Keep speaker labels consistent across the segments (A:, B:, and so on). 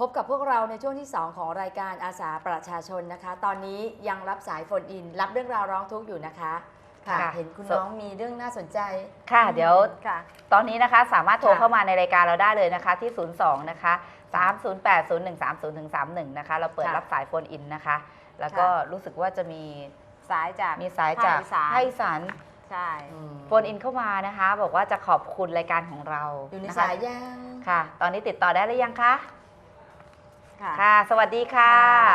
A: บกับพวกเราในช่วงที่ 2 ของรายการอาสาประชาชนนะคะตอนนี้ยังรับสายโฟนอินรับเรื่องราวร้องทุกข์อยู่นะคะค่ะเห็นคุณน้องมีเรื่องน่าสนใจ
B: ค่ะเดี๋ยว
A: ค่ะ
B: ตอนนี้นะคะสามารถโทรเข้ามาในรายการเราได้เลยนะคะที่ 02 นะคะ3080130-31 นะคะเราเปิดรับสายโฟนอินนะคะแล้วก็รู้สึกว่าจะมี
C: สายจาก
B: ภาคอีสาน
C: ใช่
B: โฟนอินเข้ามานะคะบอกว่าจะขอบคุณรายการของเรา
A: อยู่ใน
B: นะคะ
A: สายยัง
B: ค่ะ ตอนนี้ติดต่อได้หรือยังคะ
C: ค่ะ
B: ค่ะ สวัสดีค่ะ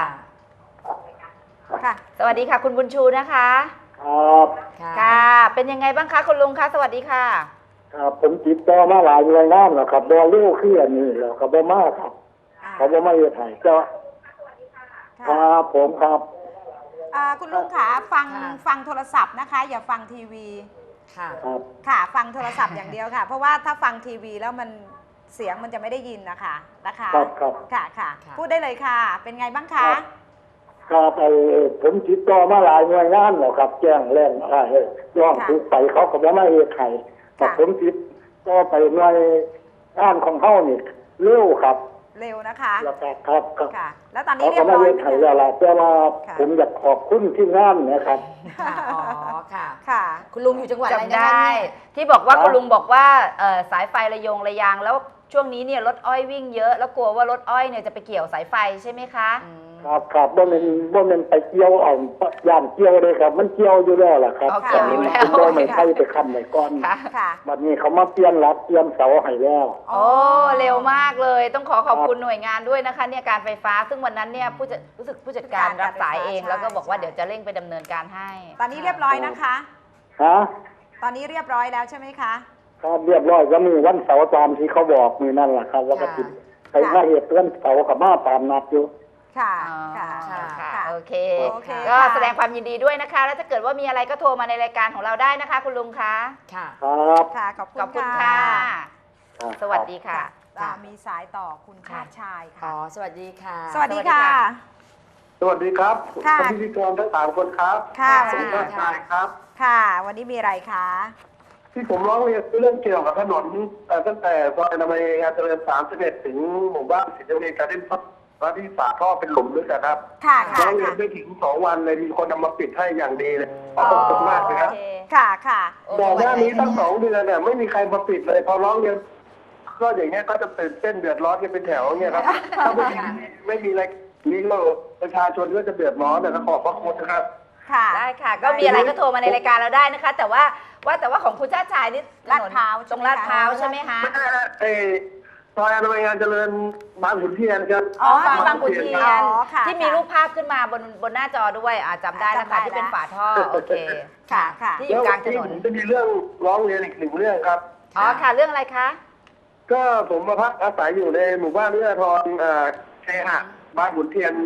C: ค่ะ
B: สวัสดีค่ะคุณบุญชูนะคะ
D: ครับ
B: ค่ะ เป็นยังไงบ้างคะคุณลุงคะสวัสดีค่ะ
D: ครับผมติดต่อมาหลายหน่วยงานแล้วครับบอลูกขึ้นอันนี้แล้วครับบอมาครับเขาบอมาเยอะไทยก็ครับผมครับ
C: คุณลุงขาฟังโทรศัพท์นะคะ อย่าฟังทีวี
A: ค่ะ
D: ครับ
C: ค่ะฟังโทรศัพท์อย่างเดียวค่ะ เพราะว่าถ้าฟังทีวีแล้วมันเสียงมันจะไม่ได้ยินนะคะ
D: ครับครับ
C: ค่ะค่ะ พูดได้เลยค่ะ เป็นไงบ้างคะ
D: ครับผมติดต่อมาหลายหน่วยงานแล้วครับแจ้งแรงย่องถูกไปเขาก็บอมาเยอะไทยแต่ผมติดต่อไปหน่วยงานของเขานี่เร็วครับ
C: เร็วนะคะ
D: แล้วก็ครับครับ
C: ค่ะ แล้วตอนนี้
D: เขา
C: เรีย
D: ก็
C: บ
D: มา
C: ร้อ
D: เย
C: ย
D: อะไทยแล้วล่ะแต่ว่าผมอยากขอบคุณที่งานนะครับ
A: ค่ะอ๋อค่ะ
C: ค่ะ
A: คุณลุงอยู่จังหวัดอะไร
B: จำ
A: นะ
B: ได้
A: คะเนี่ย
B: ที่บอกว่า
D: ครับ
B: คุณลุงบอกว่าสายไฟระยงระยางแล้วช่วงนี้เนี่ยรถอ้อยวิ่งเยอะแล้วกลัวว่ารถอ้อยเนี่ยจะไปเกี่ยวสายไฟใช่ไหมคะ
D: ครับครับบ่แม่นไปเกี่ยวเอาย่านเกี่ยวเลยครับ มันเกี่ยวอยู่แล้วล่ะครับ
B: เกี่ยวอยู่แล้ว
D: บ่ไม่ใช่ไปค้ำไว้ก่อน
B: ค่ะ
C: ค่ะ
D: บัดนี้เขามาเปลี่ยนรัดเปลี่ยนเสาให้แล้ว
B: โอ้เร็วมากเลยต้องขอบคุณหน่วยงานด้วยนะคะเนี่ยการไฟฟ้าซึ่งวันนั้นเนี่ยรู้สึกผู้จัดการรับสายเอง
C: ใช่
B: แล้วก็บอกว่า
C: ใช่
B: เดี๋ยวจะเร่งไปดำเนินการให้
C: ตอนนี้เรียบร้อยนะคะ
D: ฮะ
C: ตอนนี้เรียบร้อยแล้วใช่ไหมคะ
D: ครับเรียบร้อยก็มีวันเสาร์ตามที่เขาบอกมือนั่นแหละครับแล้วก็ติดไปหน้าเหตุเพื่อนเสาร์กับมาตามนัดอยู่
C: ค่ะ
B: อ๋อ
C: ค่ะ
B: ค่ะโอเค
C: โอเค
B: ก็
C: ค่ะ
B: แสดงความยินดีด้วยนะคะ แล้วถ้าเกิดว่ามีอะไรก็โทรมาในรายการของเราได้นะคะ คุณลุงคะ
A: ค่ะ
D: ครับ
C: ค่ะ ขอบ
B: ขอบ
C: คุ
B: คุณ ณ
C: ค่ะ
B: ค่ะ
D: ครับ
B: สวัสดีค่ะ
C: มีสายต่อคุณชาติชาย
A: อ๋อ
C: ค่ะ
A: สวัสดีค่ะ
C: สวัสดีค่ะ
D: สวัสดีครับ
C: ค่ะ
D: พิธีกรทั้งสามคนครับ
C: ค่ะ
A: สวัสดี
D: ค
A: ค่ะ
D: รับ
C: ค่ะ วันนี้มีอะไรคะ
D: ที่ผมร้องเรียนเรื่องเกี่ยวกับถนนตั้งแต่ซอยนามัยงานเจริญ31ถึงหมู่บ้านสิทธิเวชการเล่นพักและที่ฝาท่อเป็นหลุมด้วยนะครับ
C: ค่ะ
D: ร้
C: ค่ะ
D: องเรียนไม่ถึง2 วันเลยมีคนนำมาปิดให้อย่างดีเลยขอบคุณมากเลยครับ
B: โอเค
C: ค่ะ ค่ะ
D: ก่อนหน้านี้ตั้ง2 เดือนเนี่ยไม่มีใครมาปิดเลย พอร้องเรียนก็อย่างเงี้ยก็จะตื่นเต้นเดือดร้อนกันเป็นแถวเงี้ยครับถ้าไม่มีอะไรนี้เราประชาชนก็จะเดือดร้อนแต่ก็ขอบพระคุณนะครับ
C: ค่ะ
B: ได้ค่ะ ก็มีอะไรก็โทรมาในรายการเราได้นะคะ แต่ว่าของคุณชาติชายนี่
C: ลาดพร้าว
B: ตรงลาดพร้าวใช่ไหมคะ
D: ไม่ใช่นะซอยอนามัยงานเจริญบางขุนเทียนครับ
B: อ๋อบางขุนเทียน
C: อ๋อค่ะ
B: ที่มีรูปภาพขึ้นมาบนหน้าจอด้วยจำได้นะคะ
C: จำได้
B: ที่เป็น
C: แล้ว
B: ฝาท่อโอเค
C: ค่ะ ค่ะ
B: ที่อยู่กลางถนน
D: ผมจะมีเรื่องร้องเรียนอีก1 เรื่องครับ
B: อ๋อค่ะเรื่องอะไรคะ
D: ก็ผมมาพักอาศัยอยู่ในหมู่บ้านเอื้อทรเคหะบางขุนเทียน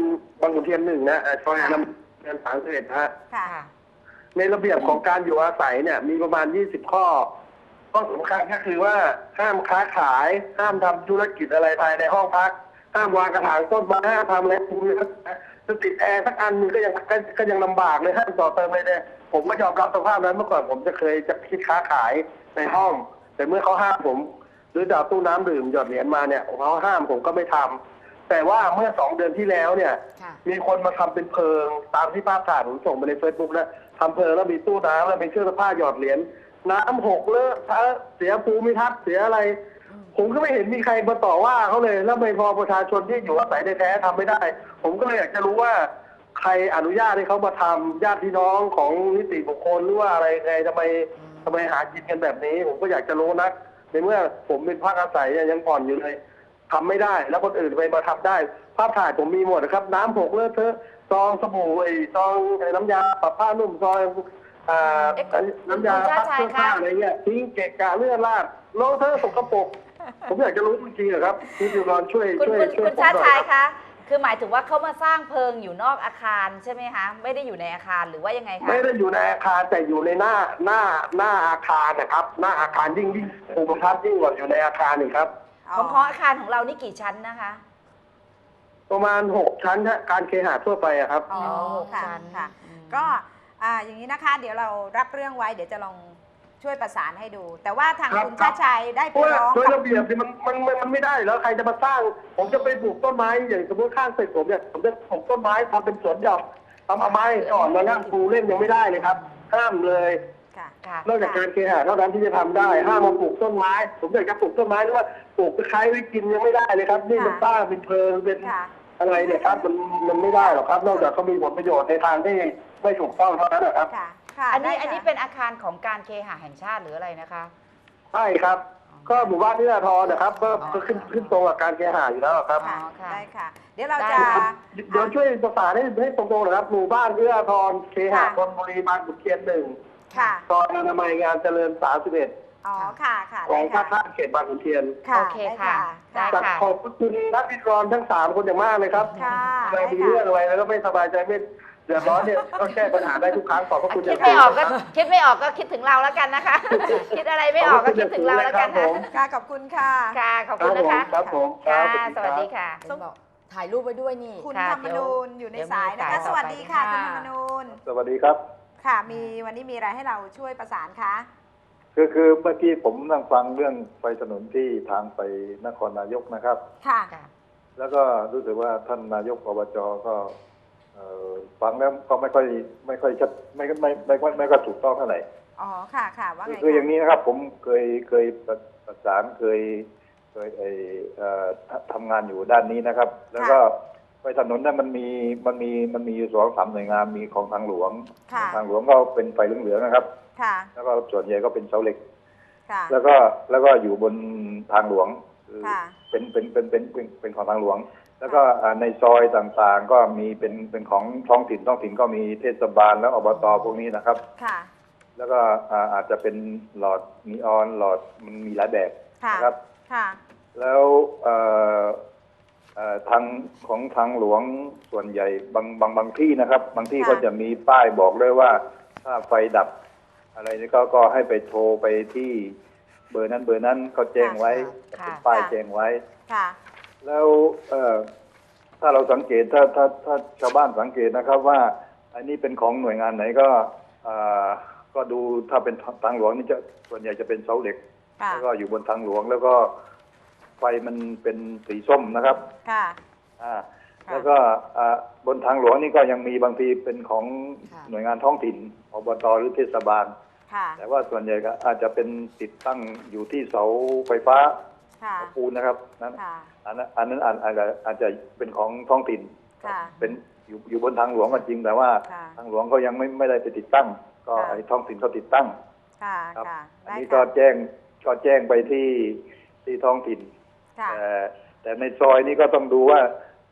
D: 1นะซอยอนามัยงาน31ฮะ
C: ค่ะ
D: ในระเบียบของการอยู่อาศัยเนี่ยมีประมาณ20 ข้อสำคัญก็คือว่าห้ามค้าขายห้ามทำธุรกิจอะไรภายในห้องพักห้ามวางกระถางต้นไม้ห้ามทำอะไรพวกนี้จะติดแอร์สักอันนึงก็ยังลำบากเลยห้ามต่อเติมเลยเนี่ยผมก็ยอมรับสภาพนั้นเมื่อก่อนผมจะเคยจะคิดค้าขายในห้อง แต่เมื่อเขาห้ามผมหรือจะเอาตู้น้ำดื่มหยอดเหรียญมาเนี่ยเขาห้ามผมก็ไม่ทำแต่ว่าเมื่อ2 เดือนที่แล้วเนี่ย
A: ค่ะ
D: มีคนมาทำเป็นเพิงตามที่ภาพถ่ายผมส่งไปใน Facebook แล้วทำเพิงแล้วมีตู้น้ำแล้วมีเครื่องซักผ้าหยอดเหรียญน้ำหกเลอะเสียภูมิทัศน์เสียอะไร ผมก็ไม่เห็นมีใครมาต่อว่าเขาเลยแล้วไม่พอประชาชนที่อยู่อาศัยในแท้ทำไม่ได้ ผมก็เลยอยากจะรู้ว่าใครอนุญาตให้เขามาทำญาติพี่น้องของนิติบุคคลหรือว่าอะไรไงทำไมหากินกันแบบนี้ ผมก็อยากจะรู้นะในเมื่อผมเป็นพักอาศัยยังผ่อนอยู่เลยทำไม่ได้แล้วคนอื่นไปมาทำได้ ภาพถ่ายผมมีหมดนะครับ น้ำหกเลอะเทอะซองสบู่ซองน้ำยาปรับผ้านุ่มซองน้ำยาซักเสื้อผ้าอะไรเงี้ยทิ้งเกะกะเลือดลาดโลเทอะสกปรกผมอยากจะรู้จริงๆครับพี่จิวรอนช่วย
B: คุณชาติชายคะคือหมายถึงว่าเขามาสร้างเพิงอยู่นอกอาคารใช่ไหมคะไม่ได้อยู่ในอาคารหรือว่ายังไงคะ
D: ไม่ได้อยู่ในอาคารแต่อยู่ในหน้าอาคารนะครับหน้าอาคารยิ่งภูมิทัศน์ยิ่งกว่าอยู่ในอาคารอีกครับ
B: ของอาคารของเรานี่กี่ชั้นนะคะ
D: ประมาณ6 ชั้นฮะการเคหะทั่วไปอะครับ
C: อ๋อ
B: 6
C: ค่ะ
B: ชั้น
C: ค่ะ ก็อย่างนี้นะคะ เดี๋ยวเรารับเรื่องไว้ เดี๋ยวจะลองช่วยประสานให้ดู แต่ว่าทาง
D: ครับ
C: คุณชาติชัยได้
D: เพ
C: ไป
D: ราะว่า
C: ร้อง
D: โดย
C: กับ
D: ระเบียบเนี่ยมันไม่ได้แล้วใครจะมาสร้าง ผมจะไปปลูกต้นไม้อย่างสมมติข้างตึกผมเนี่ยผมจะปลูกต้นไม้ทำเป็นสวนหย่อมทำเอาไม้ก่อนมานั่งปลูกเล่นยังไม่ได้เลยครับห้ามเลย
C: ค่ะ
B: ค่ะ
D: นอกจากการเคหะเท่านั้นที่จะทำได้ห้ามมาปลูกต้นไม้ ผมอยากจะปลูกต้นไม้หรือว่าปลูกตะไคร้ไว้กินยังไม่ได้เลยครับนี่มันสร้างเป็นเพลิงเป็น
C: ค่ะ
D: อะไรเนี่ยครับมันไม่ได้หรอกครับ นอกจากเขามีผลประโยชน์ในทางที่ไม่ถูกต้องเท่านั้นนะครับ
C: ค่ะค่ะ
B: อันนี้
C: ได้ค่ะ
B: อันนี้เป็นอาคารของการเคหะแห่งชาติหรืออะไรนะคะ
D: ใช่ครับ ก็หมู่บ้านนิราธรนะครับก็ขึ้นตรงกับการเคหะอยู่แล้วครับ
C: ค่ะ
B: อ๋อค่ะ
C: ได้ค่ะ เดี๋ยวเรา
B: ได้
C: จะ
B: ค่ะ
D: เดี๋ยวช่วยประสานให้ตรงๆนะครับหมู่บ้านนิราธรเคหะ
C: ค่ะ
D: ธนบุรีบางขุนเทียน1
C: ค่ะ
D: ซอยอนามัยงานเจริญ31
C: อ๋อค่ะค่ะ
D: ของ
C: ได้
D: ท่า
C: ค่ะ
D: ข้ามเขตบางขุนเทียน
C: ค่ะ
B: โอเคค่ะได้
C: ค่ะ
B: ค่ะ
D: ขอบคุณนักวิเคราะห์ทั้ง3คนอย่างมากเลยครับ
C: ค่ะ
D: เวลามีเรื่องอะไรแล้วก็ไม่สบายใจไม่เดือดร้อนเนี่ยก็แก้ปัญหาได้ทุกครั้งขอบพระคุณ
B: คิดไม่ออกก็คิดไม่ออกก็คิดถึงเราแล้วกันนะคะ คิดอะไรไม่ออกก็คิดถึงเราแล้วกันนะ
C: ค่ะขอบคุณค่ะ
B: ค่ะ ขอบคุณนะคะ
D: ครับผม
B: ค่ะ
D: ครับ
B: สวัสดีค่ะ
A: เห็นบอกถ่ายรูปไว้ด้วยนี่
C: คุณ
B: ค่ะ
C: ธรรมนูญอยู่ในสายนะคะ
B: เดี๋ยวมีสาย
C: สวัสดีค่ะ
A: ต่อ
C: คุณ
A: ไป
C: ธรรมนูญ
E: สวัสดีครับ
C: ค่ะ วันนี้มีอะไรให้เราช่วยประสานคะ
E: คือเมื่อกี้ผมนั่งฟังเรื่องไฟถนนที่ทางไปนครนายกนะครับ
C: ค่ะ
B: ค่ะ
E: แล้วก็รู้สึกว่าท่านนายกอบจก็ฟังแล้วก็ไม่ค่อยชัดไม่ก็ถูกต้องเท่าไหร่
C: อ๋อ ค่ะค่ะว่าไง
E: คืออย่าง
C: คะ
E: นี้นะครับ ผมเคยประสานเคยทำงานอยู่ด้านนี้นะครับ แล้วก็ไฟถนนนั้นมันมีอยู่2-3หน่วยงานมีของทางหลวง
C: ค่ะ
E: ทางหลวงก็เป็นไฟเหลืองๆนะครับ
C: ค่ะ
E: แล้วก็ส่วนใหญ่ก็เป็นเสาเหล็ก
C: ค่ะ
E: แล้วก็อยู่บนทางหลวงคือ
C: ค่ะ
E: เป็นของทางหลวง แล้วก็ในซอยต่างๆ ก็มีเป็นของท้องถิ่นก็มีเทศบาลแล้วอบตพวกนี้นะครับ
C: ค่ะ
E: แล้วก็อาจจะเป็นหลอดนีออนหลอดมันมีหลายแบบ
C: ค่ะ
E: นะครับ
C: ค่ะ
E: แล้วทางของทางหลวงส่วนใหญ่บางที่นะครับ บางที่
C: ค่ะ
E: ก็จะมีป้ายบอกด้วยว่าถ้าไฟดับ อะไรนี่ก็ให้ไปโทรไปที่เบอร์นั้นเขาแจ้งไว้
B: ค่ะ
E: เป็นป้ายแจ้งไว้
C: ค่ะ
E: แล้วถ้าเราสังเกตถ้าชาวบ้านสังเกตนะครับว่าอันนี้เป็นของหน่วยงานไหนก็ดูถ้าเป็นทางหลวงนี่จะส่วนใหญ่จะเป็นเสาเหล็ก
C: ค่ะ
E: แล้วก็อยู่บนทางหลวงแล้วก็ไฟมันเป็นสีส้มนะครับ
C: ค่ะ
E: แล้วก็บนทางหลวงนี่ก็ยังมีบางทีเป็นของ
A: ค่ะ
E: หน่วยงานท้องถิ่นอบตหรือเทศบาล
C: ค่ะ
E: แต่ว่าส่วนใหญ่ก็อาจจะเป็นติดตั้งอยู่ที่เสาไฟฟ้า
C: ค่ะ
E: ปูนนะครับนั้น
C: ค่ะ
E: อันนั้นอาจจะเป็นของท้องถิ่น
C: ค่ะ
E: เป็นอยู่บนทางหลวงก็จริงแต่ว่า
C: ค่ะ
E: ทางหลวงก็ยังไม่ได้ไปติดตั้ง ก็
C: ค่ะ
E: ไอ้ท้องถิ่นเขาติดตั้ง
C: ค่ะ
E: ครับ
C: ค่ะ
E: อัน
C: ได้
E: นี้
C: ค่ะ
E: ก็แจ้งไปที่ท้องถิ่น
C: ค่ะ
E: แต่ในซอยนี้ก็ต้องดูว่า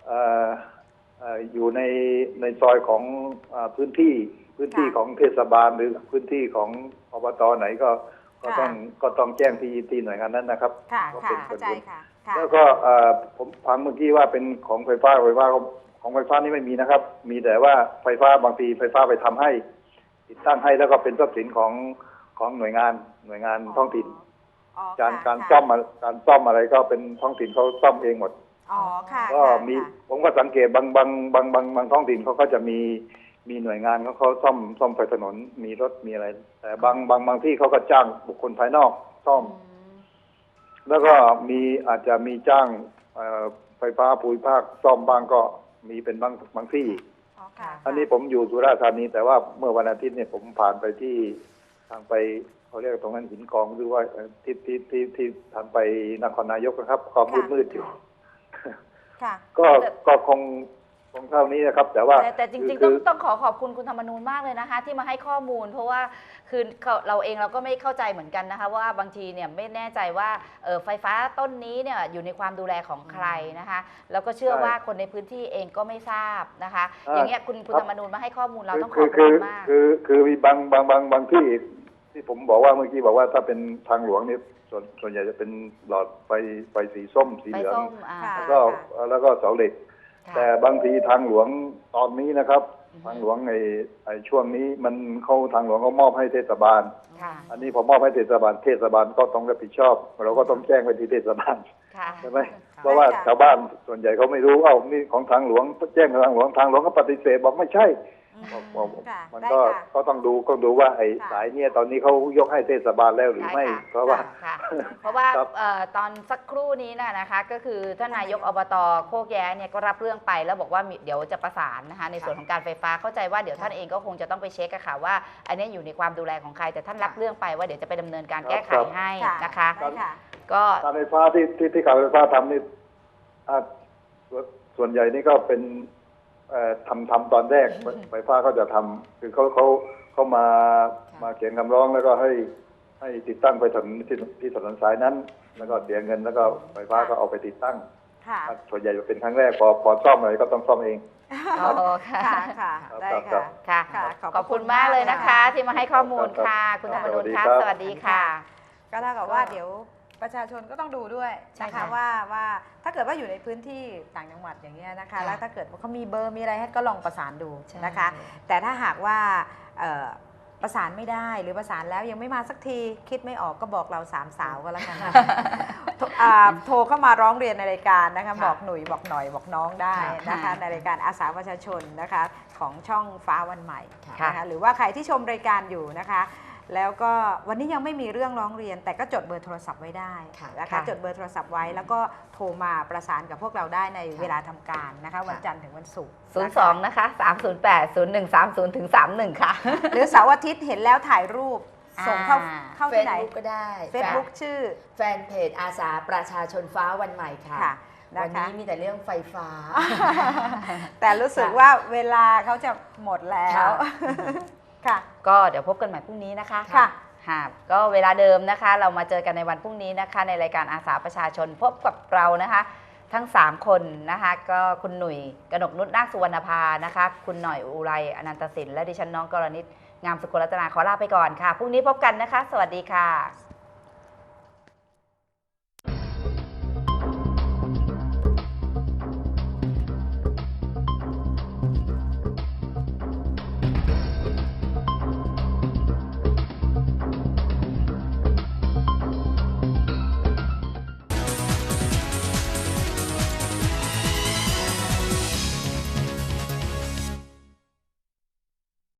E: อยู่ในซอยของพื้นที่ของเทศบาลหรือพื้นที่ของอบตไหนก็ต้องแจ้งที่หน่วยงานนั้นนะครับ
C: ค่ะ
E: ก็
C: ค่ะ
E: เป็น
C: เข้าใจค่ะ ค่ะ
E: แล้วก็ผมฟังเมื่อกี้ว่าเป็นของไฟฟ้าของไฟฟ้านี่ไม่มีนะครับ มีแต่ว่าไฟฟ้าบางทีไฟฟ้าไปทำให้ติดตั้งให้แล้วก็เป็นทรัพย์สินของหน่วยงานท้องถิ่น
C: อ๋อ
E: การ
C: ค่ะ
E: ซ่อมอะไรก็เป็นท้องถิ่นเขาซ่อมเองหมด
C: อ๋อ ค่ะ
E: ก็
C: ค่ะ
E: มี
C: ค่ะ
E: ผมก็สังเกตบางท้องถิ่นเขาก็จะมีหน่วยงานเขาซ่อมไฟถนนมีรถมีอะไร แต่บางที่เขาก็จ้างบุคคลภายนอกซ่อม แล้วก็อาจจะมีจ้างไฟฟ้าภูมิภาคซ่อมบ้างก็มีเป็นบางที่
C: อ๋อ ค่ะ
E: อันนี้ผมอยู่สุราษฎร์ธานีแต่ว่าเมื่อวันอาทิตย์เนี่ยผมผ่านไปที่ทางไปเขาเรียกตรงนั้นหินกองหรือว่าที่ทางไปนครนายกนะครับความมืดอยู่
C: ค่ะ
E: ก็คงเท่านี้นะครับ แต่ว่า
B: แต่จริงๆ
E: คื
B: ต้องขอบคุณคุณธรรมนูญมากเลยนะคะ ที่มาให้ข้อมูล เพราะว่าคือเราเองเราก็ไม่เข้าใจเหมือนกันนะคะ ว่าบางทีเนี่ยไม่แน่ใจว่าไฟฟ้าต้นนี้เนี่ยอยู่ในความดูแลของใครนะคะแล้วก็เชื่อว่าคนในพื้นที่เองก็ไม่ทราบนะคะ อย่างเงี้ยคุณธรรมนูญมาให้ข้อมูลเราต้องขอบคุณมาก
E: คือมีบางที่ผมบอกว่าเมื่อกี้บอกว่าถ้าเป็นทางหลวงนี่ส่วนใหญ่จะเป็นหลอดไฟสีส้มสี
B: ไฟ
E: เหลือง
B: ส้ม
C: ค่ะ
E: แล้วก็เสาเหล็ก
B: ค่ะ
E: แต่บางทีทางหลวงตอนนี้นะครับ ทางหลวงไอ้ช่วงนี้มันเข้าทางหลวงก็มอบให้เทศบาล
B: ค่ะ
E: อันนี้พอมอบให้เทศบาลก็ต้องรับผิดชอบเราก็ต้องแจ้งไปที่เทศบาล
B: ค่ะ
E: ใช่ไหมเพราะว่าชาวบ้านส่วนใหญ่เขาไม่รู้นี่ของทางหลวงแจ้งทางหลวงก็ปฏิเสธบอกไม่ใช่
C: ค่ะ
E: มัน
C: ได้
E: ก็
C: ค่ะ
E: ก็ต้องดูว่าไอ้
C: ค่ะ
E: สายเนี่ยตอนนี้เขายกให้เทศบาลแล้วหรือไม่
B: ใช่ค่ะ
E: เพราะว่า
B: ค่ะ เพราะว่า
E: ครับ
B: ตอนสักครู่นี้นะคะก็คือท่านนายกอบตโคกแย้เนี่ยก็รับเรื่องไปแล้วบอกว่าเดี๋ยวจะประสานนะคะในส่วนของการไฟฟ้าเข้าใจว่าเดี๋ยวท่านเองก็คงจะต้องไปเช็คอะค่ะว่าอันนี้อยู่ในความดูแลของใครแต่ท่านรับเรื่องไปว่าเดี๋ยวจะไปดำเนินการแก้ไขให้นะคะ
C: ได้ค่ะ
B: ก็
E: การไฟฟ้าที่การไฟฟ้าทำนี่อ่าส่วนใหญ่นี่ก็เป็นทำตอนแรก ไฟฟ้าเขาจะทำคือเขามาเขียนคำร้องแล้วก็ให้ติดตั้งไปถนนที่ถนนสายนั้น แล้วก็เสียเงินแล้วก็ไฟฟ้าก็เอาไปติดตั้ง
C: ค่ะ
E: ส่วนใหญ่จะเป็นครั้งแรกพอซ่อมอะไรก็ต้องซ่อมเอง
B: อ๋อค่ะ
C: ค่ะค่ะ
E: ครับ
C: ได้
E: ครั
C: ค่ะ
E: บ
B: ค่ะ
C: ค่ะ
B: ขอบคุณมากเลยนะคะ ที่มาให้ข้อมูลค่ะ คุณธรรมนูญค่ะ สวัสดีค่ะ
C: ก็เท่ากับว่าเดี๋ยวประชาชนก็ต้องดูด้วย
A: ใช่
C: นะคะ
A: ค่ะ
C: ว่าถ้าเกิดว่าอยู่ในพื้นที่ต่างจังหวัดอย่างเงี้ยนะคะ
A: ค่ะ
C: แล้วถ้าเกิดว่าเขามีเบอร์มีอะไรให้ก็ลองประสานดู
A: ใช่
C: นะคะ แต่ถ้าหากว่าประสานไม่ได้หรือประสานแล้วยังไม่มาสักทีคิดไม่ออกก็บอกเราสามสาวก็แล้วกันนะ โทรเข้ามาร้องเรียนในรายการนะคะ
A: ค่ะ
C: บอกหนุ่ยบอกหน่อยบอกน้องได้นะคะ
B: ค่ะ
C: ในรายการอาสาประชาชนนะคะของช่องฟ้าวันใหม่
B: ค่ะ
C: นะคะหรือว่าใครที่ชมรายการอยู่นะคะ แล้วก็วันนี้ยังไม่มีเรื่องร้องเรียน แต่ก็จดเบอร์โทรศัพท์ไว้ได้
A: ค่ะ
C: นะคะ
B: ค่ะ
C: จดเบอร์โทรศัพท์ไว้แล้วก็โทรมาประสานกับพวกเราได้ในเวลาทำการนะคะ วันจันทร์ถึงวันศุกร์นะคะ
B: 02 นะคะ 308-0130ถึง31 ค่ะ
C: หรือเสาร์อาทิตย์เห็นแล้วถ่ายรูปส่งเข้า
B: อ่า
C: ที่ไหน
A: Facebook ก็ได้
C: Facebook ชื่อ
A: แฟนเพจอาสาประชาชนฟ้าวันใหม่ค่ะ
C: ค่ะ
A: วัน
C: นะคะ
A: นี้มีแต่เรื่องไฟฟ้า
C: แต่รู้สึกว่าเวลาเขาจะหมดแล้ว
A: ค่ะ
C: ค่ะ
B: ก็เดี๋ยวพบกันใหม่พรุ่งนี้นะคะ
C: ค่ะ
B: ค่ะก็เวลาเดิมนะคะ เรามาเจอกันในวันพรุ่งนี้นะคะ ในรายการอาสาประชาชนพบกับเรานะคะ ทั้ง 3 คนนะคะ ก็คุณหนุ่ยกนกนุชนาคสุวรรณภานะคะ คุณหน่อยอุไรอนันตสินและดิฉันน้องกรณิตงามสุขรัตนาขอลาไปก่อนค่ะพรุ่งนี้พบกันนะคะ สวัสดีค่ะ